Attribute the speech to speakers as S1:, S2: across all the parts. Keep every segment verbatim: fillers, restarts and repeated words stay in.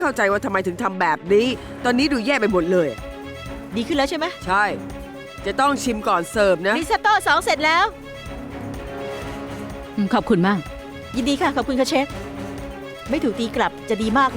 S1: เข้าใจว่าทำไมถึงทำแบบนี้ ตอนนี้ดูแย่ไปหมดเลย
S2: ดีขึ้นแล้วใช่ไหม
S1: ใช่ จะต้องชิมก่อนเสิร์ฟนะ
S2: ริซอตโต้สองเสร็จแล้ว
S3: ขอบคุณมาก
S2: ยินดีค่ะ ขอบคุณค่ะเชฟ ไม่ถูกตีกลับจะดีมากเลย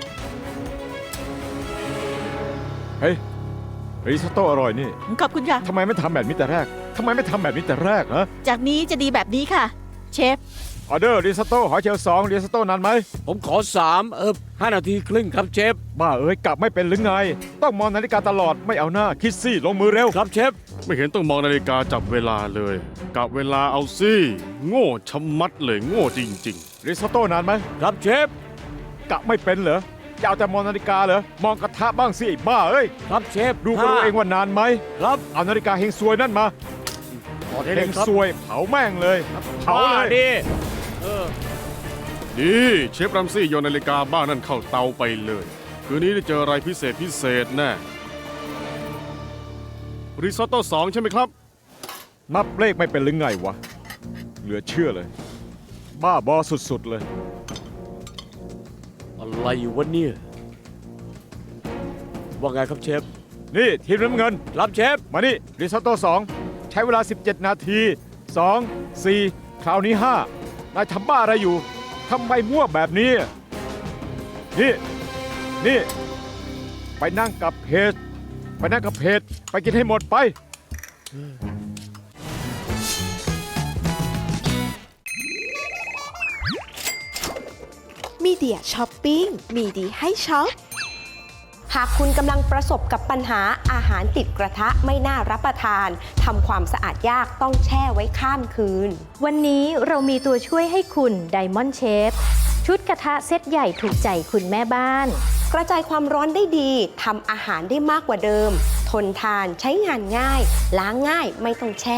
S4: เฮ้ยริซอตโต้อร่อยนี่
S2: ขอบคุณค่ะ
S4: ทำไมไม่ทำแบบนี้แต่แรกทำไมไม่ทำแบบนี้แต่แรกฮะ
S2: จากนี้จะดีแบบนี้ค่ะ เชฟ
S4: ออเดอร์ริซอตโต้หอยเชลล์สองริซอตโต้นานไหม
S5: ผมขอสามเออห้านาทีครึ่งครับเชฟ
S4: บ้าเอ้ยกลับไม่เป็นหรือไง ต้องมองนาฬิกาตลอดไม่เอาหน้าคิดซี่ลงมือเร็ว
S5: ครับเชฟ
S6: ไม่เห็นต้องมองนาฬิกาจับเวลาเลยกะเวลาเอาสิโง่ชะมัดเลยโง่จริง
S4: ริซอตโต้นานไหม
S5: ครับเชฟ
S4: กะไม่เป็นเหรออยากแต่มองนาฬิกาเหรอมองกระทะบ้างสิไอ้บ้าเอ้ย
S5: ครับเชฟ
S4: ดูก็รู้เองว่านานไหม
S5: ครับ
S4: เอานาฬิกาเฮงซวยนั่นมา
S5: ขอเท
S4: เฮ
S5: เลย
S4: ง
S5: ครับ
S4: ซวยเผาแม่งเลยเผาเลย
S5: ดิเออ
S6: ๆ ดีเชฟรัมซี่โยนนาฬิกาบ้านั่นเข้าเตาไปเลย คืนนี้ได้เจออะไรพิเศษพิเศษแน่ริซอตโต้สองใช่ไหมครับ
S4: นับเลขไม่เป็นหรือไงวะเหลือเชื่อเลย บ้าบอสุดๆเลย
S5: อะไรวะเนี่ยว่าไงครับเชฟ
S4: นี่ทีมน้ำเงิน
S5: ครับเชฟ
S4: มานี่ริซอตโต้สองใช้เวลา สิบเจ็ด นาทีสอง สี่ คราวนี้ห้านายทำบ้าอะไรอยู่ทำไมมั่วแบบนี้ นี่ นี่ ไปนั่งกับเพจไปนั่งกับเพจไปกินให้หมดไป
S7: มีเดียช้อปปิ้งมีดีให้ช็อป หากคุณกำลังประสบกับปัญหาอาหารติดกระทะไม่น่ารับประทานทำความสะอาดยากต้องแช่ไว้ข้ามคืน
S8: วันนี้เรามีตัวช่วยให้คุณ Diamond Chef ชุดกระทะเซตใหญ่ถูกใจคุณแม่บ้าน
S7: กระจายความร้อนได้ดีทำอาหารได้มากกว่าเดิม ทนทานใช้งานง่าย ล้างง่ายไม่ต้องแช่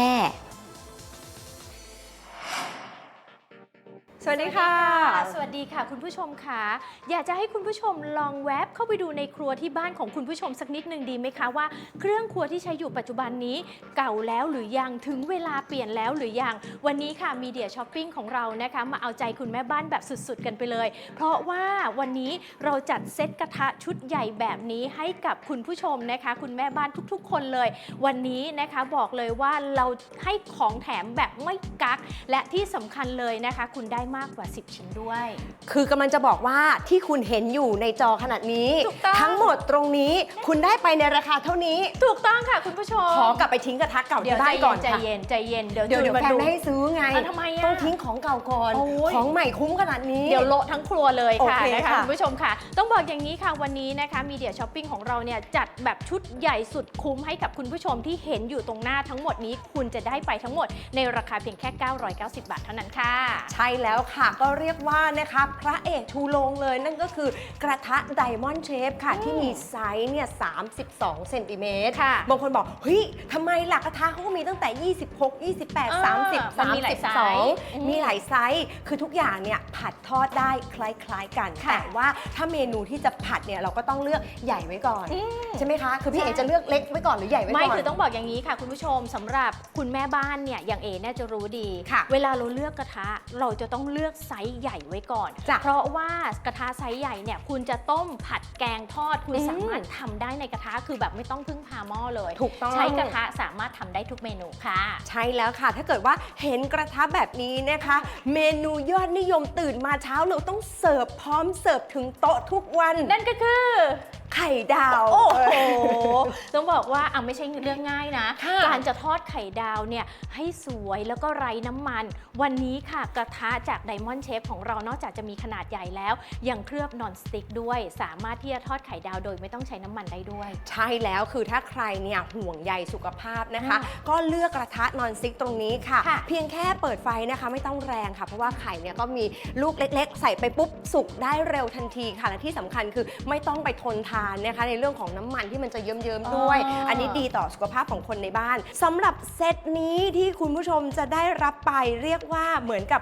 S7: สวัสดีค่ะ
S8: สวัสดีค่ะคุณผู้ชมค่ะอยากจะให้คุณผู้ชมลองแวบเข้าไปดูในครัวที่บ้านของคุณผู้ชมสักนิดหนึ่งดีไหมคะว่าเครื่องครัวที่ใช้อยู่ปัจจุบันนี้เก่าแล้วหรือยังถึงเวลาเปลี่ยนแล้วหรือยังวันนี้ค่ะมีเดียช้อปปิ้งของเรานะคะมาเอาใจคุณแม่บ้านแบบสุดๆกันไปเลย เพราะว่าวันนี้เราจัดเซตกระทะชุดใหญ่แบบนี้ให้กับคุณผู้ชมนะคะคุณแม่บ้านทุกๆ คนเลย วันนี้นะคะบอกเลยว่าเราให้ของแถมแบบไม่กักและที่สำคัญเลยนะคะคุณได้มากกว่าสิบชิ้นด้วย
S7: คือกำลังจะบอกว่าที่คุณเห็นอยู่ในจอขนาดนี้
S8: ถูกต้อง
S7: ทั้งหมดตรงนี้คุณได้ไปในราคาเท่านี้
S8: ถูกต้องค่ะคุณผู้ชม
S7: ขอกลับไปทิ้งกระทะเก่า
S8: เดี๋ยว
S7: ที่บ้านก่อน
S8: ใจ
S7: ค่ะ
S8: เย็นใจเย็นเดี๋ยว
S7: เดี๋ยวเดี๋ยว
S8: มา
S7: แฟน
S8: ดู
S7: ไม่ให้ซื้อไง
S8: อ่ะทำไมอ่ะ
S7: ต้องทิ้งของเก่าก่อน
S8: โอ้ย
S7: ของใหม่คุ้มขนาดนี้
S8: เดี๋ยวโละทั้งครัวเลย
S7: โอ
S8: ค่ะ
S7: เค
S8: นะคะ
S7: ค่ะ
S8: คุณผู้ชมค่ะ ต้องบอกอย่างนี้ค่ะวันนี้นะคะมีเดียช้อปปิ้งของเราเนี่ยจัดแบบชุดใหญ่สุดคุ้มให้กับคุณผู้ชมที่เห็นอยู่ตรงหน้าทั้งหมดนี้ คุณจะได้ไปทั้งหมดในราคาเพียงแค่ เก้าร้อยเก้าสิบ บาทเท่านั้นค่ะ
S7: ใช่แล้วค่ะก็เรียกว่านะคะพระเอกชูโรงเลยนั่นก็คือกระทะ Diamond Shape ค่ะ ที่มีไซส์เนี่ยสามสิบสองเซนติเมตร
S8: ค่ะ
S7: บางคนบอก เฮ้ยทำไมหลักกระทะเขาก็มีตั้งแต่ ยี่สิบหก ยี่สิบแปด
S8: เออ
S7: สามสิบ
S8: มันมีหลายไซส์
S7: สามสิบสอง
S8: อืม
S7: มีหลายไซส์ คือทุกอย่างเนี่ยผัดทอดได้คล้ายๆกัน
S8: ค่ะ
S7: แต่ว่าถ้าเมนูที่จะผัดเนี่ยเราก็ต้องเลือกใหญ่ไว้ก่อน
S8: อืม
S7: ใช่ไหมคะ คือพี่
S8: ใช่
S7: เอจะเลือกเล็กไว้ก่อนหรือใหญ่ไว้ก่อน
S8: ไม่คือต้องบอกอย่างนี้ค่ะคุณผู้ชมสำหรับคุณแม่บ้านเนี่ยอย่างเอเนี่ยจะรู้ดี
S7: ค่ะ
S8: เวลาเราเลือกกระทะเราจะต้องเลือกไซส์ใหญ่ไว้ก่อน
S7: จ้ะ
S8: เพราะว่ากระทะไซส์ใหญ่เนี่ยคุณจะต้มผัดแกงทอดคุณ
S7: อืม
S8: สามารถทำได้ในกระทะคือแบบไม่ต้องพึ่งพาหม้อเลย
S7: ถูกต้อง
S8: ใช้กระทะสามารถทำได้ทุกเมนูค่ะ
S7: ใช่แล้วค่ะ ถ้าเกิดว่าเห็นกระทะแบบนี้นะคะ เมนูยอดนิยมตื่นมาเช้าเราต้องเสิร์ฟพร้อมเสิร์ฟถึงโต๊ะทุกวัน
S8: นั่นก็คือ
S7: ไข่ดาว
S8: โอ้โห ต้องบอกว่าอ่ะไม่ใช่เรื่องง่ายนะ
S7: ค่ะ
S8: การจะทอดไข่ดาวเนี่ยให้สวยแล้วก็ไร้น้ำมัน วันนี้ค่ะกระทะจาก Diamond Chef ของเรานอกจากจะมีขนาดใหญ่แล้ว ยังเคลือบนอนสติ๊กด้วย สามารถที่จะทอดไข่ดาวโดยไม่ต้องใช้น้ำมันได้ด้วย
S7: ใช่แล้วคือถ้าใครเนี่ยห่วงใยสุขภาพนะคะ
S8: อืม
S7: ก็เลือกกระทะนอนสติ๊กตรงนี้ค่ะ
S8: ค่ะ
S7: เพียงแค่เปิดไฟนะคะไม่ต้องแรงค่ะ เพราะว่าไข่เนี่ยก็มีลูกเล็กๆ ใส่ไปปุ๊บสุกได้เร็วทันทีค่ะและที่สำคัญคือไม่ต้องไปทนทานนะคะในเรื่องของน้ำมันที่มันจะเยิ้มๆด้วย
S8: อ๋ออั
S7: อันนี้ดีต่อสุขภาพของคนในบ้านสำหรับเซตนี้ที่คุณผู้ชมจะได้รับไปเรียกว่าเหมือนกับ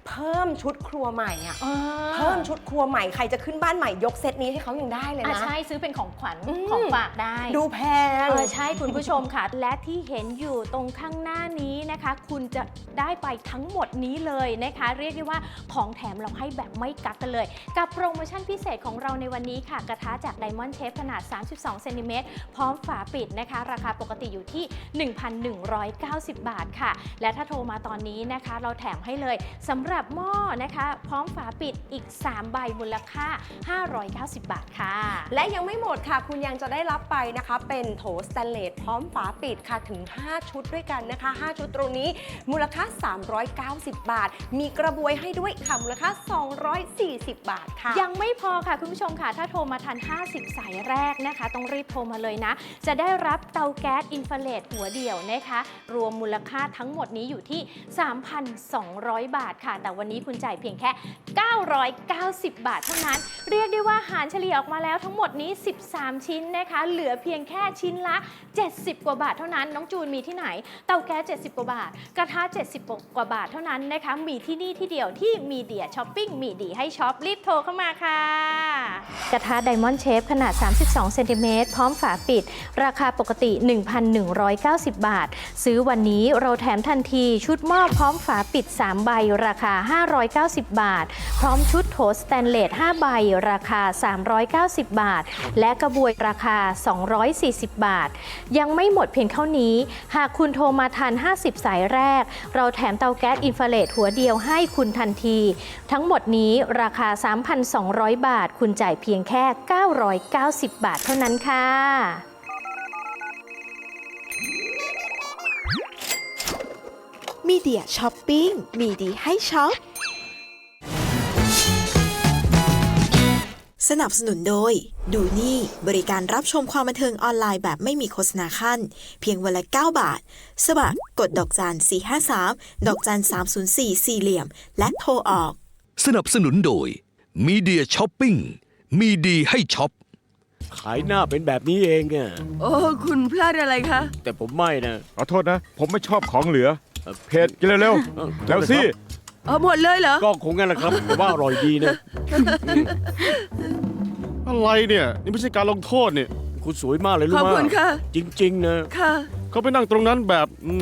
S7: เพิ่มชุดครัวใหม่อะ
S8: อ่า
S7: เพิ่มชุดครัวใหม่ใครจะขึ้นบ้านใหม่ยกเซตนี้ให้เขายังได้เลย
S8: อ่ะ
S7: นะ
S8: ใช่ซื้อเป็นของขวัญ
S7: อืม
S8: ของฝากได้
S7: ดูแพง
S8: เออใช่คุณผู้ชมค่ะ และที่เห็นอยู่ตรงข้างหน้านี้นะคะ คุณจะได้ไปทั้งหมดนี้เลยนะคะ เรียกได้ว่าของแถมเราให้แบบไม่กักกันเลย กับโปรโมชั่นพิเศษของเราในวันนี้ค่ะ กระทะจาก Diamond Chef ขนาด สามสิบสองเซนติเมตรพร้อมฝาปิดนะคะ ราคาปกติอยู่ที่ หนึ่งพันหนึ่งร้อยเก้าสิบ บาทค่ะ และถ้าโทรมาตอนนี้นะคะ เราแถมให้เลยสำหรับหม้อนะคะ พร้อมฝาปิดอีก สาม ใบมูลค่า ห้าร้อยเก้าสิบ บาทค่ะ
S7: และยังไม่หมดค่ะ คุณยังจะได้รับไปนะคะ เป็นโถสแตนเลสพร้อมฝาปิดค่ะถึง ห้า ชุดด้วยกันนะคะ ห้า ชุดตรงนี้มูลค่า สามร้อยเก้าสิบ บาท มีกระบวยให้ด้วยค่ะมูลค่า สองร้อยสี่สิบ บาทค่ะ
S8: ยังไม่พอค่ะคุณผู้ชมค่ะ ถ้าโทรมาทัน ห้าสิบ สายแรกนะคะ ต้องรีบโทรมาเลยนะ จะได้รับเตาแก๊สอินฟราเรดหัวเดี่ยวนะคะ รวมมูลค่าทั้งหมดนี้อยู่ที่ สามพันสองร้อย บาทค่ะ แต่วันนี้คุณจ่ายเพียงแค่ เก้าร้อยเก้าสิบ บาทเท่านั้น เรียกได้ว่าหารเฉลี่ยออกมาแล้วทั้งหมดนี้ สิบสาม ชิ้นนะคะ เหลือเพียงแค่ชิ้นละ เจ็ดสิบ กว่าบาทเท่านั้น น้องจูนมีที่ไหน เตาแก๊ส เจ็ดสิบ กว่าบาท กระทะ เจ็ดสิบ กว่าบาทเท่านั้นนะคะ มีที่นี่ที่เดียวที่มีเดียช้อปปิ้งมีดีให้ช็อปรีบโทรเข้ามาค่ะ กระทะ Diamond Chef ขนาด สามสิบสองเซนติเมตรพร้อมฝาปิด ราคาปกติ หนึ่งพันหนึ่งร้อยเก้าสิบ บาท ซื้อวันนี้เราแถมทันทีชุดหม้อพร้อมฝาปิด สาม ใบ ราคา ห้าร้อยเก้าสิบ บาท พร้อมชุดโถสแตนเลส ห้า ใบ ราคา สามร้อยเก้าสิบ บาท และกระบวยราคา สองร้อยสี่สิบ บาท ยังไม่หมดเพียงเท่านี้ หากคุณโทรมาทัน ห้าสิบ สายแรก เราแถมเตาแก๊สอินฟราเรดหัวเดียวให้คุณทันที ทั้งหมดนี้ราคา สามพันสองร้อย บาท คุณจ่ายเพียงแค่ เก้าร้อยเก้าสิบ บาทเท่านั้นค่ะ
S3: มีเดียช้อปปิ้งมีดีให้ช็อปสนับสนุนโดยดูนี่บริการรับชมความบันเทิงออนไลน์แบบไม่มีโฆษณาขั้นเพียงวันละเก้าบาทสมัครกดดอกจันสี่ห้าสามดอกจันสามศูนย์สี่สี่เหลี่ยมและโทรออก
S9: สนับสนุนโดยมีเดียช้อปปิ้งมีดีให้ช็อป
S5: ขายหน้าเป็นแบบนี้เองอะ
S1: โอ้คุณพลาดอะไรคะ
S5: แต่ผมไม่นะ
S4: ขอโทษนะ ผมไม่ชอบของเหลือ เผ็ดกินเร็ว
S5: เออ
S4: ๆแล้วสิ
S1: เออหมดเลยเหรอ
S5: ก็คงงั้นแหละครับแต่ว่าอร่อยดีนะ
S6: อะไรเนี่ย นี่ไม่ใช่การลงโทษเนี่ย
S5: คุณสวยมากเลยรู้
S1: ขอบ
S5: ไหม
S1: คุณค่ะ
S5: จริง ๆ นะ
S1: ค่ะ
S6: เขาไปนั่งตรงนั้นแบบ